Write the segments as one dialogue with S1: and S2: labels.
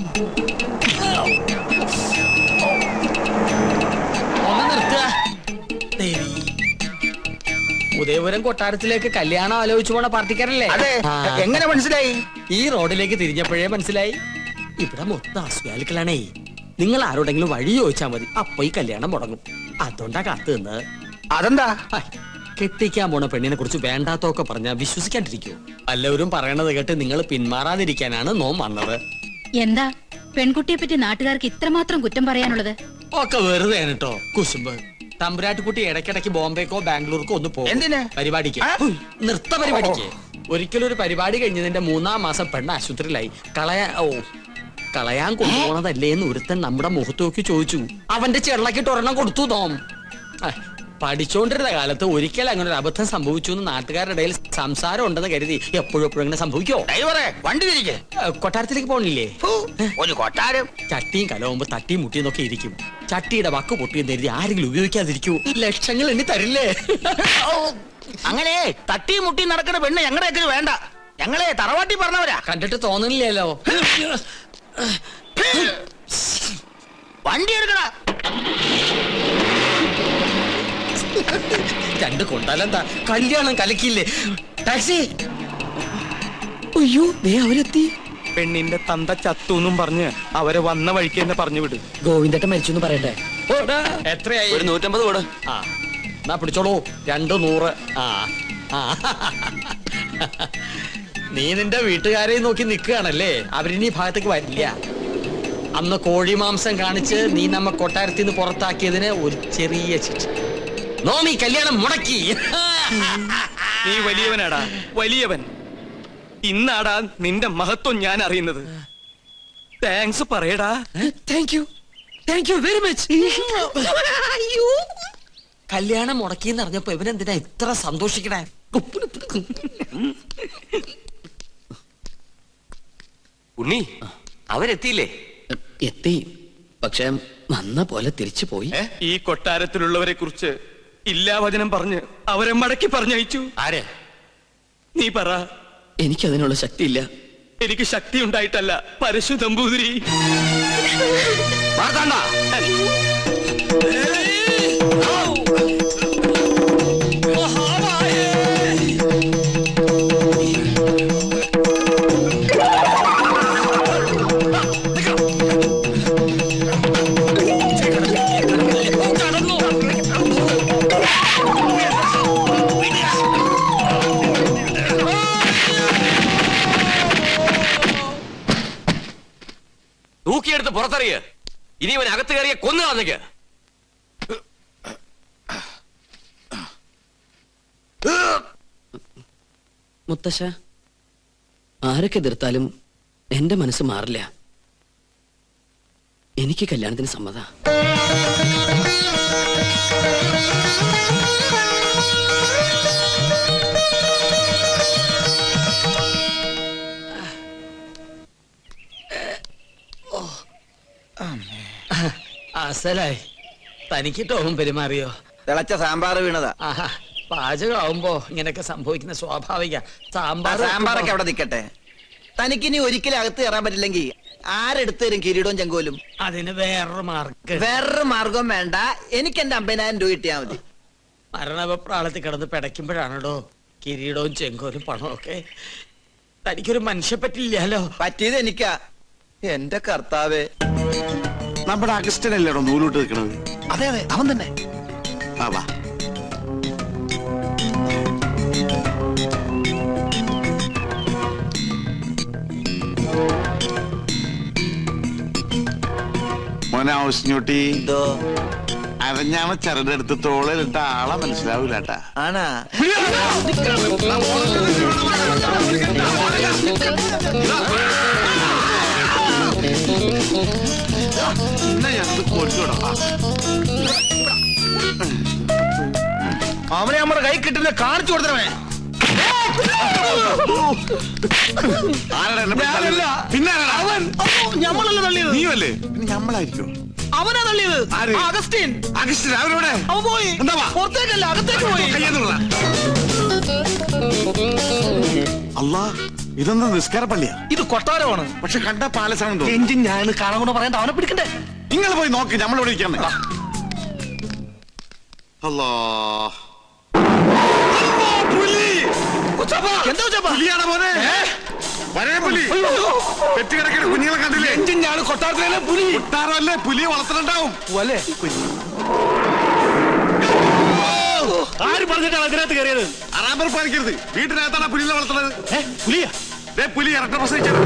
S1: ഒന്ന് നിർത്തുക. ഉദയപുരം കൊട്ടാരത്തിലേക്ക് കല്യാണം ആലോചിച്ചു പോണ പാർട്ടിക്കാരല്ലേ?
S2: എങ്ങനെ മനസ്സിലായി?
S1: ഈ റോഡിലേക്ക് തിരിഞ്ഞപ്പോഴേ മനസ്സിലായി. ഇവിടെ മൊത്തം അസ്വാലിക്കളാണേ. നിങ്ങൾ ആരോടെങ്കിലും വഴി ചോദിച്ചാൽ മതി, അപ്പൊ ഈ കല്യാണം മുടങ്ങും. അതുകൊണ്ടാ കാത്തു നിന്ന്.
S2: അതെന്താ?
S1: കെട്ടിക്കാൻ പോണ പെണ്ണിനെ കുറിച്ച് വേണ്ടാത്തൊക്കെ പറഞ്ഞാൽ വിശ്വസിക്കാണ്ടിരിക്കൂ. എല്ലാവരും പറയണത് കേട്ട് നിങ്ങൾ പിന്മാറാതിരിക്കാനാണ് നോം വന്നത്.
S3: എന്താ പെൺകുട്ടിയെ പറ്റി നാട്ടുകാർക്ക് ഇത്രമാത്രം കുറ്റം പറയാനുള്ളത്?
S1: ഒക്കെ വെറുതെ കേട്ടോ കുശുമ്പ്. തമ്പുരാട്ടിക്കുട്ടി ഇടയ്ക്കിടയ്ക്ക് ബോംബെക്കോ ബാംഗ്ലൂർക്കോ ഒന്ന് പോകും.
S2: എന്തിന്?
S1: പരിപാടിക്ക്, നൃത്ത പരിപാടിക്ക്. ഒരിക്കലും ഒരു പരിപാടി കഴിഞ്ഞതിന്റെ 3-ാം മാസം പെണ്ണ് ആശുപത്രിയിലായി. കളയാൻ കൊണ്ടുപോണതല്ലേ എന്ന് ഒരുത്തൻ നമ്മുടെ മുഖത്ത് നോക്കി ചോദിച്ചു. അവന്റെ ചെള്ളക്കിട്ട് ഒരെണ്ണം കൊടുത്തു തോം. പഠിച്ചോണ്ടിരുന്ന കാലത്ത് ഒരിക്കൽ അങ്ങനെ ഒരു അബദ്ധം സംഭവിച്ചു എന്ന് നാട്ടുകാരുടെ ഇടയിൽ സംസാരം ഉണ്ടെന്ന് കരുതി എപ്പോഴും ഇങ്ങനെ സംഭവിക്കോ?
S2: വണ്ടി തിരികെ
S1: കൊട്ടാരത്തിലേക്ക് പോണില്ലേ?
S2: ഒരു കൊട്ടാരം
S1: ചട്ടിയും കലവുമ്പോ തട്ടിയും മുട്ടിയെന്നൊക്കെ ഇരിക്കും. ചട്ടിയുടെ വക്ക് പൊട്ടിയെന്ന് കരുതി ആരെങ്കിലും ഉപയോഗിക്കാതിരിക്കൂ. ലക്ഷങ്ങൾ എണ്ണി തരില്ലേ?
S2: അങ്ങനെ തട്ടിയും മുട്ടിയും നടക്കുന്ന പെണ്ണ് ഞങ്ങളുടെ വേണ്ട. ഞങ്ങളെ തറവാട്ടി പറഞ്ഞവരാ.
S1: കണ്ടിട്ട് തോന്നുന്നില്ലല്ലോ.
S2: വണ്ടി എടുക്കണ.
S1: രണ്ട് കൊണ്ടാലെന്താ, കല്യാണം കലക്കില്ലേ? ടാക്സി. അയ്യോ, അവരെത്തി.
S4: പെണ്ണിന്റെ തന്ത ചത്തൂന്നും പറഞ്ഞ് അവരെ വന്ന വഴിക്ക് തന്നെ പറഞ്ഞു വിട്.
S1: ഗോവിന്ദട്ടൻ മരിച്ചു പറയട്ടെ. എത്രയായി?
S4: 150 കൂടെ.
S1: ആ എന്നാ പിടിച്ചോളൂ, 200. നീ നിന്റെ വീട്ടുകാരെ നോക്കി നിൽക്കുകയാണല്ലേ? അവരിനി ഭാഗത്തേക്ക് വരില്ല. അന്ന് കോഴി മാംസം കാണിച്ച് നീ നമ്മ കൊട്ടാരത്തിൽ നിന്ന് പുറത്താക്കിയതിന് ഒരു ചെറിയ ശിക്ഷ. നോമി കല്യാണം മുടക്കി.
S4: നീ വലിയവനാടാ, വലിയവൻ. ഇന്നാടാ നിന്റെ മഹത്വം ഞാൻ അറിയുന്നത്. താങ്ക്സ് പറയടാ.
S1: Thank you very much. കല്യാണം മുടക്കിന്ന് അറിഞ്ഞപ്പോ ഇവനെന്തിനാ ഇത്ര സന്തോഷിക്കണേ?
S5: ഉണ്ണി, അവരെത്തിയില്ലേ?
S1: എത്തി, പക്ഷെ വന്ന പോലെ തിരിച്ചു പോയി.
S4: ഈ കൊട്ടാരത്തിലുള്ളവരെ കുറിച്ച് ഇല്ലാവചനം പറഞ്ഞ് അവരെ മടക്കി പറഞ്ഞയച്ചു.
S5: ആര്?
S4: നീ പറ.
S1: എനിക്കതിനുള്ള ശക്തിയില്ല.
S4: എനിക്ക് ശക്തി ഉണ്ടായിട്ടല്ല, പരശു നമ്പൂതിരി.
S5: തൂക്കിയെടുത്ത് പുറത്തറിയ. ഇനി ഇവൻ അകത്ത് കയറിയ കൊന്നു കളഞ്ഞേക്ക്.
S1: മുത്തശ്ശ, ആരൊക്കെ എതിർത്താലും എന്റെ മനസ്സ് മാറില്ല. എനിക്ക് കല്യാണത്തിന് സമ്മത. അസലായി. തനിക്കിട്ടോവും പെരുമാറിയോ?
S2: തിളച്ച സാമ്പാർ വീണതാ.
S1: പാചകമാവുമ്പോ ഇങ്ങനെയൊക്കെ സംഭവിക്കുന്ന സ്വാഭാവിക.
S2: സാമ്പാറൊക്കെ അവിടെ നിൽക്കട്ടെ. തനിക്കിനി ഒരിക്കലും അകത്ത് കയറാൻ പറ്റില്ലെങ്കിൽ ആരെടുത്ത് തരും കിരീടവും ചെങ്കോലും?
S1: അതിന് വേറൊരു
S2: മാർഗം വേണ്ട. എനിക്ക് എന്റെ 50,000 രൂപ കിട്ടിയാ മതി.
S1: മരണപ്രാളത്തിൽ കിടന്ന് പിടയ്ക്കുമ്പോഴാണോ കിരീടവും ചെങ്കോലും പണവും ഒക്കെ? തനിക്കൊരു മനുഷ്യ പറ്റില്ലല്ലോ.
S2: പറ്റിയത് എനിക്കാ. എന്റെ കർത്താവേ.
S6: നമ്മുടെ അഗസ്റ്റനല്ലേടോ നൂലോട്ട് നിൽക്കണത്?
S2: അതെ അതെ, അവൻ തന്നെ.
S6: വാ. മോനെ ഔസ്ഞ്ഞൂട്ടി, അരഞ്ഞാമ ചരടെടുത്ത് തോളിലിട്ട ആളെ മനസ്സിലാവൂലട്ടാ.
S2: ആണാ? അവനെ നമ്മുടെ കൈ കിട്ടുന്ന കാണിച്ചു കൊടുത്തവേ.
S6: പിന്നെ
S2: ഞമ്മളല്ല തള്ളിയത്.
S6: നീയല്ലേ? പിന്നെ ഞമ്മളായിരിക്കും.
S2: അവനാ തള്ളിയത്. അഗസ്റ്റിൻ.
S6: അഗസ്റ്റിൻ അവരോടെ
S2: അവൻ പോയി. പുറത്തേക്കല്ല, അകത്തേക്ക് പോയി.
S6: അല്ലാ, ഇതൊന്നും നിസ്കാര പള്ളിയാ.
S7: ഇത് കൊട്ടാരമാണ്.
S6: പക്ഷെ കണ്ട പാലസാണെന്ന് തോന്നുന്നു.
S7: എഞ്ചിൻ ഞാൻ കാണാൻ കൊണ്ട് പറയണ്ട, അവനെ പിടിക്കണ്ടേ?
S6: നിങ്ങൾ പോയി നോക്ക്, നമ്മളിവിടെ ഇരിക്കാൻ. അല്ലാ,
S7: എന്താ ഉച്ചപ്പാ?
S6: പുലിയാണ് മോനെ. വരേ പുലി. പെറ്റുകിടക്കുന്ന കുഞ്ഞുങ്ങളെ കണ്ടില്ലേ?
S7: എഞ്ചിൻ ഞാൻ കൊട്ടാരത്തിലെ പുലി.
S6: കൊട്ടാരമല്ലേ, പുലിയെ വളർത്തുന്നുണ്ടാവും.
S7: അല്ലേ? ആര് പറഞ്ഞിട്ടാണ് അതിനകത്ത് കയറിയത്?
S6: അറാമ്പർ പാലിക്കരുത്. വീട്ടിനകത്താണ് പുലിയെ വളർത്തുന്നത്.
S7: പുലിയാ?
S6: പുലി ഇരട്ട പ്രസവിച്ചത്.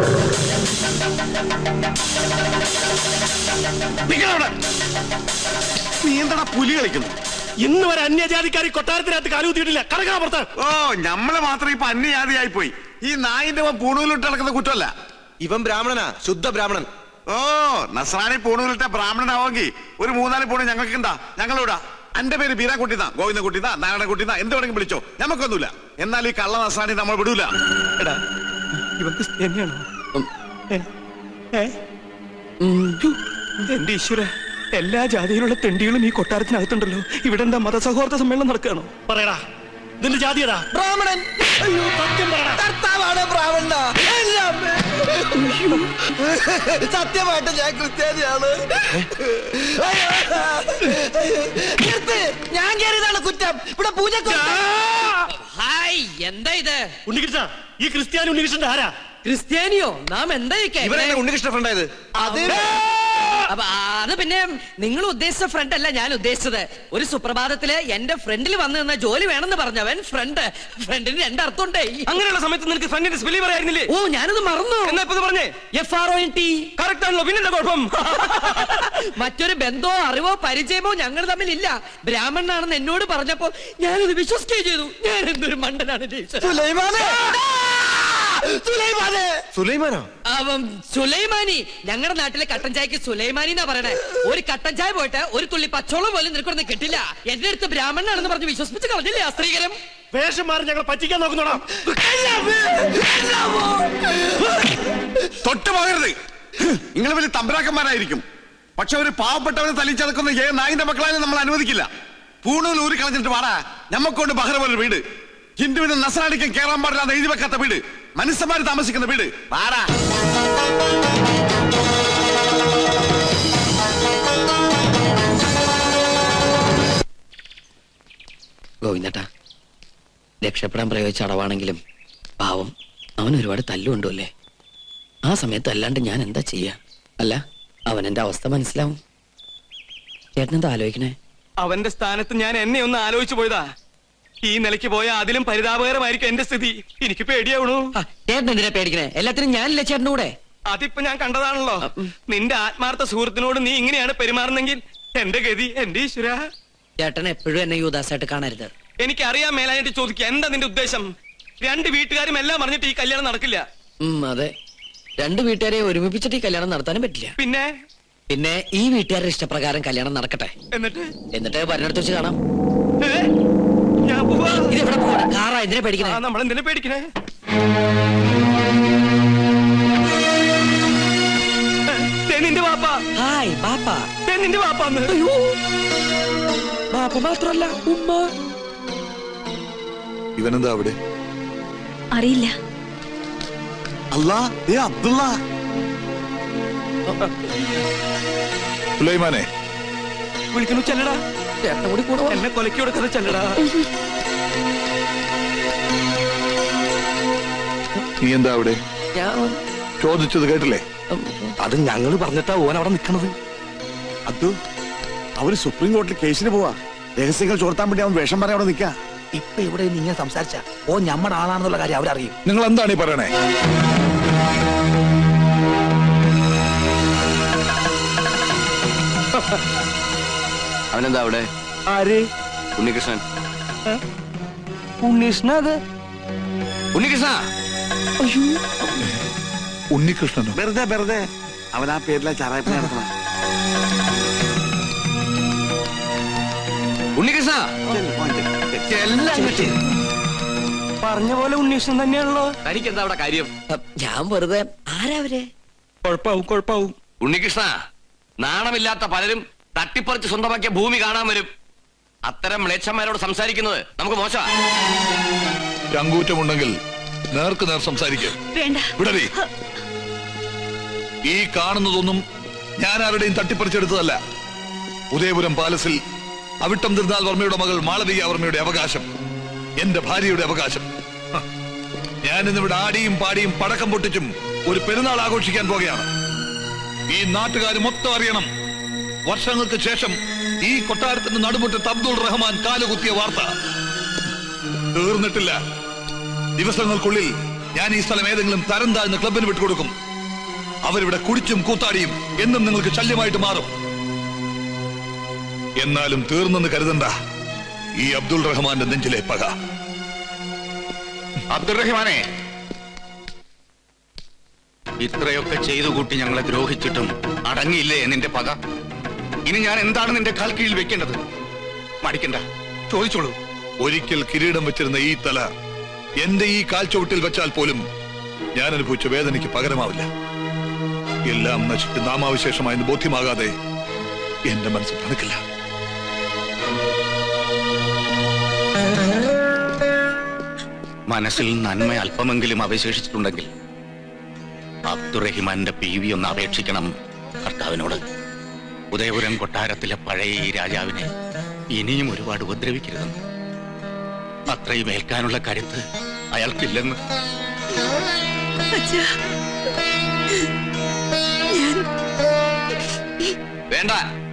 S6: നീ എന്താടാ പുലി കളിക്കുന്നു?
S7: ഇന്ന് വരെ അന്യജാതിക്കാരി കൊട്ടാരത്തിനകത്ത് കാലുകുത്തിയിട്ടില്ല. കടക്കാ പുറത്ത്.
S6: ഓ, നമ്മള് മാത്രം ഇപ്പൊ അന്യജാതിയായി പോയി. ഈ നായിന്റെ പൂണൂലിട്ട് നടക്കുന്ന കുറ്റമല്ല.
S2: ഇവൻ ബ്രാഹ്മണനാ, ശുദ്ധ ബ്രാഹ്മണൻ.
S6: ഓ, നസ്രാണി പൂണൂലിട്ട ബ്രാഹ്മണനാവെങ്കിൽ ഒരു 3-4 പൂണ് ഞങ്ങൾക്ക് എന്താ? ഞങ്ങളിവിടാ. എന്റെ പേര് ബീരാൻകുട്ടിന്നാ, ഗോവിന്ദൻകുട്ടിന്നാ, നാരായണൻകുട്ടിന്നാ, എന്ത് വേണമെങ്കിലും വിളിച്ചോ, ഞമ്മക്കൊന്നുമില്ല. എന്നാൽ ഈ കള്ള നസ്രാണി നമ്മൾ വിടൂല.
S4: എടാ, ഇവൻ ക്രിസ്ത്യാനിയാണോ? എന്റെ ഈശ്വര, എല്ലാ ജാതിയിലുള്ള തെണ്ടികളും ഈ കൊട്ടാരത്തിനകത്തുണ്ടല്ലോ. ഇവിടെ എന്താ മതസൗഹാർദ്ദ സമ്മേളനം നടക്കുകയാണോ?
S7: പറയടാ, ഇതിന്റെ ജാതിയടാ?
S2: ബ്രാഹ്മണൻ.
S7: അയ്യോ, സത്യം പറയടാ.
S2: കർത്താവാണ് ബ്രാഹ്മണ. സത്യമായിട്ട് ഞാൻ ക്രിസ്ത്യാനിയാണ്. ഞാൻ കയറിയതാണ് കുറ്റം. ഇവിടെ പൂജ.
S1: ഹായ്, എന്താ ഇത്?
S7: ഉണ്ണികൃഷ്ണ, ഈ ക്രിസ്ത്യാനി ഉണ്ണികൃഷ്ണന്റെ ആരാ?
S1: ക്രിസ്ത്യാനിയോ? നാം എന്താ
S2: ഇവരെന്നെ ഉണ്ണികൃഷ്ണ ഫ്രണ്ടായത്?
S1: അത് പിന്നെ നിങ്ങൾ ഉദ്ദേശിച്ച ഫ്രണ്ട് അല്ല ഞാൻ ഉദ്ദേശിച്ചത്. ഒരു സുപ്രഭാതത്തില് എന്റെ ഫ്രണ്ടിൽ വന്നു നിന്ന ജോലി വേണമെന്ന് പറഞ്ഞവൻ ഫ്രണ്ടിന് 2 അർത്ഥമുണ്ടേ.
S4: അങ്ങനെയുള്ള സമയത്ത് നിനക്ക് ഫ്രണ്ടിന്റെ സ്പെല്ലിംഗ് പറയായിരുന്നില്ലേ?
S1: ഓ, ഞാനത് മറന്നു.
S4: എന്നാ ഇപ്പൊ പറഞ്ഞേ?
S1: FRONT.
S4: കറക്റ്റ് ആണല്ലോ, പിന്നെന്താ കുഴപ്പം?
S1: മറ്റൊരു ബന്ധമോ അറിവോ പരിചയമോ ഞങ്ങൾ തമ്മിലില്ല. ബ്രാഹ്മണനാണെന്ന് എന്നോട് പറഞ്ഞപ്പോ ഞാനത് വിശ്വസിക്കുകയും ചെയ്തു. ഞാൻ എന്തൊരു മണ്ടനാണ്. സുലൈമാനി. ഞങ്ങളുടെ നാട്ടിലെ കട്ടൻ ചായക്ക് സുലൈമാനി എന്നാ പറയണേ. ഒരു കട്ടൻ ചായ പോയിട്ട് ഒരു തുള്ളി പച്ചോളം പോലും നിനക്കൊന്നും കിട്ടില്ല. എന്റെ അടുത്ത് ബ്രാഹ്മണനാണെന്ന് പറഞ്ഞ് വിശ്വസിപ്പിച്ച് കളഞ്ഞില്ലേ ആ സ്ത്രീകരം?
S7: വേഷം മാറി ഞങ്ങൾ പറ്റിക്കാൻ നോക്കുന്നോടാ.
S6: തൊട്ട് പോകരുത്. നിങ്ങൾ വലിയ തമ്പരാക്കന്മാരായിരിക്കും. പക്ഷെ ഒരു പാവപ്പെട്ടവരെ തല്ലിച്ചതക്കുന്ന നായിന്റെ മക്കളായാലും നമ്മൾ അനുവദിക്കില്ല. പൂണൂൽ ഊരി കളഞ്ഞിട്ട് വാടാ. ഞമ്മക്കൊണ്ട് ബഹ്റ പോലൊരു വീട്, ഹിന്ദുവിന് നസ്രാണിക്കും കേറാൻ പാടില്ലാതെ എഴുതി വെക്കാത്ത വീട്, മനുഷ്യന്മാര് താമസിക്കുന്ന വീട്. വാടാ.
S1: ഗോവിന്ദട്ടാ, രക്ഷപ്പെടാൻ പ്രയോഗിച്ച അടവാണെങ്കിലും പാവം അവൻ ഒരുപാട് തല്ലുകൊണ്ടു അല്ലേ? ആ സമയത്ത് അല്ലാണ്ട് ഞാൻ എന്താ ചെയ്യാ? അല്ല, അവൻ എന്റെ അവസ്ഥ മനസ്സിലാവും. ചേട്ടനെന്താ ആലോചിക്കണേ?
S4: അവന്റെ സ്ഥാനത്ത് ഞാൻ എന്നെ ഒന്ന് ആലോചിച്ചു പോയതാ. ഈ നിലയ്ക്ക് പോയ അതിലും പരിതാപകരമായിരിക്കും എന്റെ സ്ഥിതി. എനിക്ക് പേടിയാവണു.
S1: ചേട്ടൻ എന്തിനാ പേടിക്കണേ? എല്ലാത്തിനും ഞാനില്ല ചേട്ടൻ്റെ കൂടെ.
S4: അതിപ്പോ ഞാൻ കണ്ടതാണല്ലോ. നിന്റെ ആത്മാർത്ഥ സുഹൃത്തിനോട് നീ ഇങ്ങനെയാണ് പെരുമാറുന്നെങ്കിൽ എന്റെ ഗതി, എന്റെ ഈശ്വര.
S1: ചേട്ടൻ എപ്പോഴും എന്നെ യുവദാസായിട്ട് കാണരുത്.
S4: എനിക്കറിയാൻ മേലായിട്ട് ചോദിക്കുക, എന്താ നിന്റെ ഉദ്ദേശം? 2 വീട്ടുകാരും എല്ലാം പറഞ്ഞിട്ട് ഈ കല്യാണം നടക്കില്ല.
S1: അതെ, 2 വീട്ടുകാരെ ഒരുമിപ്പിച്ചിട്ട് ഈ കല്യാണം നടത്താനും പറ്റില്ല. പിന്നെ ഈ വീട്ടുകാരുടെ ഇഷ്ടപ്രകാരം കല്യാണം നടക്കട്ടെ. എന്നിട്ട് വരുന്നിടത്ത് വെച്ച് കാണാം.
S4: ഞാൻ പോവാ.
S1: ഇതെവിടെ പോവാ? കാറാ? എന്തിനാ പേടിക്കണേ?
S4: നമ്മളെന്തിനാ പേടിക്കണേ? നിന്റെ വാപ്പ.
S1: ഹായ് ബാപ്പ.
S4: നിന്റെ വാപ്പാന്ന്.
S1: ബാപ്പ മാത്രല്ല, ഉമ്മ.
S6: ഇവനെന്താ അവിടെ?
S3: അറിയില്ല.
S6: അല്ലാ, അബ്ദുള്ള. സുലൈമാനെ
S4: വിളിക്കണു. ചെല്ലടാ.
S1: ചേട്ടൻ കൂടി കൂടെ
S4: എന്നെ കൊലക്കി കൊടുക്കുന്ന ചെല്ലടാ.
S6: നീ എന്താ അവിടെ?
S1: ഞാൻ
S6: ചോദിച്ചത് കേട്ടില്ലേ?
S7: അത് ഞങ്ങള് പറഞ്ഞിട്ടാ ഓൻ അവിടെ നിക്കണത്.
S6: അബ്ദു, അവര് സുപ്രീം കോടതിയിൽ കേസിന് പോവാ. രഹസ്യങ്ങൾ ചോർത്താൻ വേണ്ടി അവൻ വേഷം പറയാൻ അവിടെ നിൽക്കാ.
S7: ഇപ്പൊ ഇവിടെ നിങ്ങൾ സംസാരിച്ച ഓ ഞമ്മടെ ആളാണെന്നുള്ള കാര്യം അവരറിയും.
S6: നിങ്ങൾ എന്താണ് ഈ പറയണേ?
S5: അവനെന്താ അവിടെ?
S7: ആര്?
S5: ഉണ്ണികൃഷ്ണൻ.
S7: ഉണ്ണീഷ്ണ. അത്
S5: ഉണ്ണികൃഷ്ണ.
S6: ഉണ്ണികൃഷ്ണനോ? വെറുതെ അവൻ ആ പേരിലെ ചാറായ്പ നടത്തണം.
S5: ഉണ്ണികൃഷ്ണ.
S4: പറഞ്ഞ പോലെ ഉണ്ണീഷ്ണൻ തന്നെയാണല്ലോ.
S5: തനിക്ക് എന്താ അവിടെ കാര്യം?
S1: ഞാൻ വെറുതെ. ആരാവരെ?
S4: കുഴപ്പാവും.
S5: ഉണ്ണികൃഷ്ണ, നാണമില്ലാത്ത പലരും തട്ടിപ്പറിച്ച് സ്വന്തമാക്കിയ ഭൂമി കാണാൻ വരും. അത്തരം മ്ലേച്ഛന്മാരോട് സംസാരിക്കുന്നത് നമുക്ക് മോശമാണ്.
S6: ചങ്കൂറ്റമുണ്ടെങ്കിൽ
S8: നേർക്ക് നേർ സംസാരിക്കുക.
S3: വേണ്ട.
S8: വിടവി. ഈ കാണുന്നതൊന്നും ഞാൻ ആരുടെയും തട്ടിപ്പറിച്ചെടുത്തതല്ല. ഉദയപുരം പാലസിൽ അവിട്ടം തിരുനാൾ വർമ്മയുടെ മകൾ മാളവിക വർമ്മയുടെ അവകാശം, എന്റെ ഭാര്യയുടെ അവകാശം. ഞാനിന്നിവിടെ ആടിയും പാടിയും പടക്കം പൊട്ടിച്ചും ഒരു പെരുന്നാൾ ആഘോഷിക്കാൻ പോകുകയാണ്. ഈ നാട്ടുകാർ മൊത്തം അറിയണം, വർഷങ്ങൾക്ക് ശേഷം ഈ കൊട്ടാരത്തിന്റെ നടുമുറ്റത്ത് അബ്ദുൾ റഹ്മാൻ കാലുകുത്തിയ വാർത്ത. തീർന്നിട്ടില്ല. ദിവസങ്ങൾക്കുള്ളിൽ ഞാൻ ഈ സ്ഥലം ഏതെങ്കിലും തരം താഴ്ന്ന ക്ലബിന് വിട്ടുകൊടുക്കും. അവരിവിടെ കുടിച്ചും കൂത്താടിയും എന്നും നിങ്ങൾക്ക് ശല്യമായിട്ട് മാറും. എന്നാലും തീർന്നെന്ന് കരുതണ്ട ഈ അബ്ദുൾ റഹ്മാന്റെ നെഞ്ചിലെ പക.
S5: അബ്ദുൾ റഹ്മാനെ, ഇത്രയൊക്കെ ചെയ്തു കൂട്ടി ഞങ്ങളെ ദ്രോഹിച്ചിട്ടും അടങ്ങിയില്ലേ നിന്റെ പക? ഇനി ഞാൻ എന്താണ് നിന്റെ കാൽ കീഴിൽ വെക്കേണ്ടത്? മടിക്കണ്ട, ചോദിച്ചോളൂ.
S8: ഒരിക്കൽ കിരീടം വെച്ചിരുന്ന ഈ തല എന്റെ ഈ കാൽച്ചുവട്ടിൽ വെച്ചാൽ പോലും ഞാൻ അനുഭവിച്ച വേദനയ്ക്ക് പകരമാവില്ല. എല്ലാം നശിച്ച് നാമാവിശേഷമായെന്ന് ബോധ്യമാകാതെ എന്റെ മനസ്സ് തണുക്കില്ല.
S5: മനസ്സിൽ നന്മ അല്പമെങ്കിലും അവശേഷിച്ചിട്ടുണ്ടെങ്കിൽ അബ്ദുറഹിമാന്റെ PV ഒന്ന് അപേക്ഷിക്കണം കർത്താവിനോട്. ഉദയപുരം കൊട്ടാരത്തിലെ പഴയ ഈ രാജാവിനെ ഇനിയും ഒരുപാട് ഉപദ്രവിക്കരുതെന്ന്. അത്രയും ഏൽക്കാനുള്ള കരുത്ത് അയാൾക്കില്ലെന്ന്. വേണ്ട,